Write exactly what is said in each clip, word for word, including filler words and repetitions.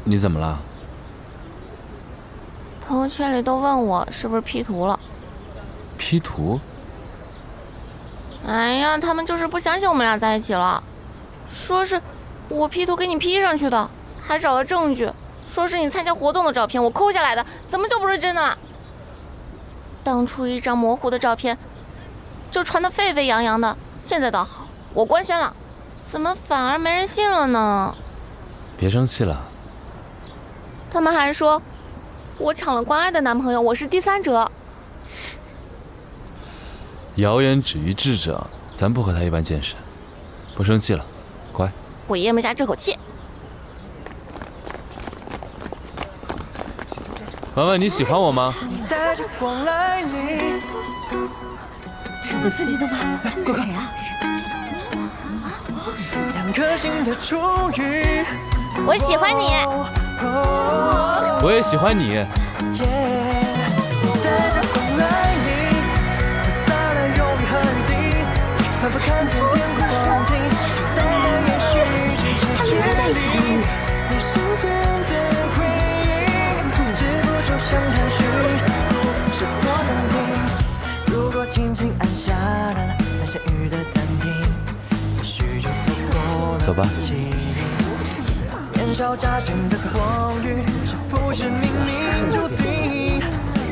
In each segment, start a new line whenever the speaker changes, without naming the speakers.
你怎么了？
朋友圈里都问我是不是 P 图了。
P 图？
哎呀，他们就是不相信我们俩在一起了，说是我 P 图给你 P 上去的，还找了证据，说是你参加活动的照片，我抠下来的，怎么就不是真的了？当初一张模糊的照片，就传得沸沸扬扬的，现在倒好，我官宣了，怎么反而没人信了呢？
别生气了。
他们还说我抢了关爱的男朋友，我是第三者。
谣言止于智者，咱不和他一般见识。不生气了，乖。
我咽不下这口气。
婉婉，你喜欢我吗？
这么刺激的吗？是谁啊？
我喜欢你。
我也喜欢你。
他们约在一起了。如果轻轻按下了那些雨的暂停，也许就错过了。
走吧。
年少乍见的光遇，是不是冥冥注定？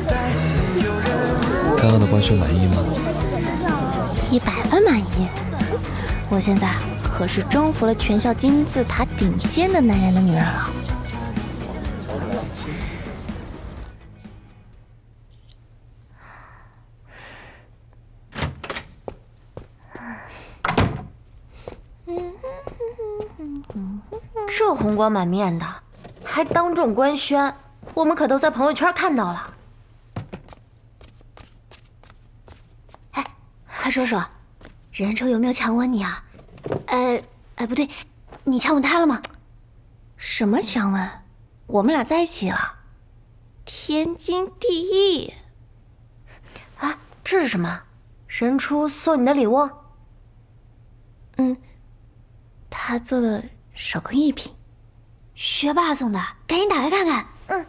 刚刚的官宣满意吗？
一百分满意。我现在可是征服了全校金字塔顶尖的男人的女人了。
这红光满面的，还当众官宣，我们可都在朋友圈看到了。
哎，快说说，任抽有没有强吻你啊？呃，哎，不对，你强吻他了吗？
什么强吻？我们俩在一起了，天经地义。
啊，这是什么？任初送你的礼物？
嗯，他做的手工艺品。
学霸送的，赶紧打开看看。
嗯。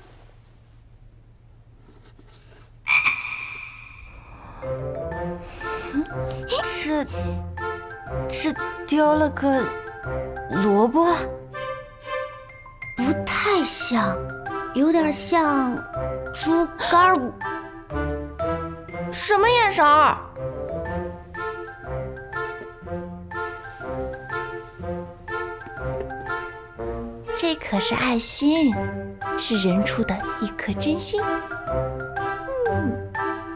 这这雕了个萝卜，
不太像，有点像猪肝儿。
什么眼神儿？这可是爱心，是人出的一颗真心。嗯，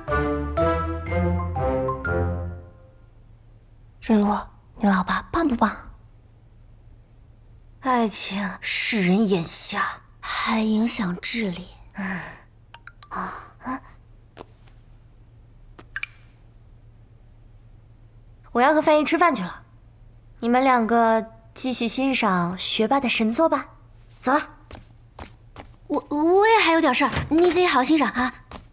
任璐，你老爸棒不棒？
爱情使人眼瞎，
还影响智力。
嗯，啊啊！我要和范毅吃饭去了，你们两个继续欣赏学霸的神作吧。走了。
我我也还有点事儿，你自己好好欣赏啊。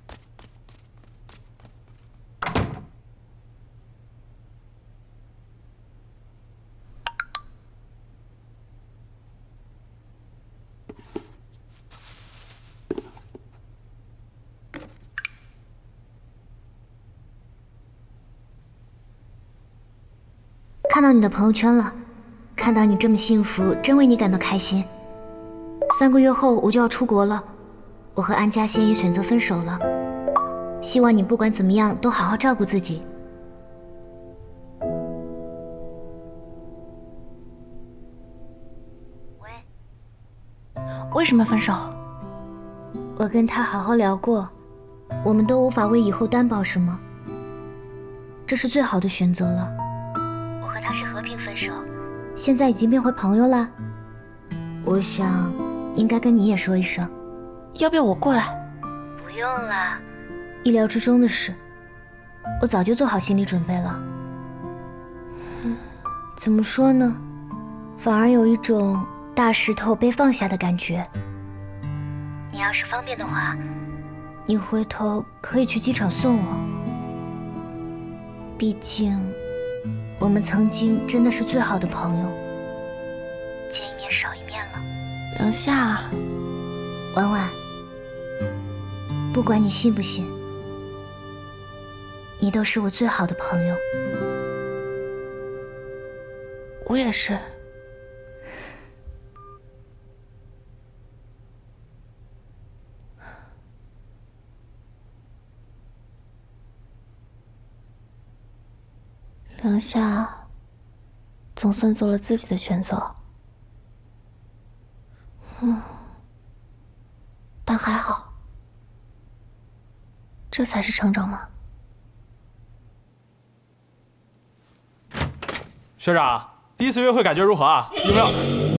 看到你的朋友圈了，看到你这么幸福，真为你感到开心。三个月后我就要出国了，我和安嘉欣也选择分手了。希望你不管怎么样都好好照顾自己。
喂，为什么分手？
我跟他好好聊过，我们都无法为以后担保什么，这是最好的选择了。我和他是和平分手，现在已经变回朋友了。我想应该跟你也说一声。
要不要我过来？
不用了，意料之中的事，我早就做好心理准备了。嗯，怎么说呢，反而有一种大石头被放下的感觉。你要是方便的话，你回头可以去机场送我。毕竟我们曾经真的是最好的朋友，见一面少一面了。
梁夏，
婉婉，不管你信不信，你都是我最好的朋友。
我也是。梁夏总算做了自己的选择，嗯，但还好，这才是成长嘛。
学长，第一次约会感觉如何啊？有没有？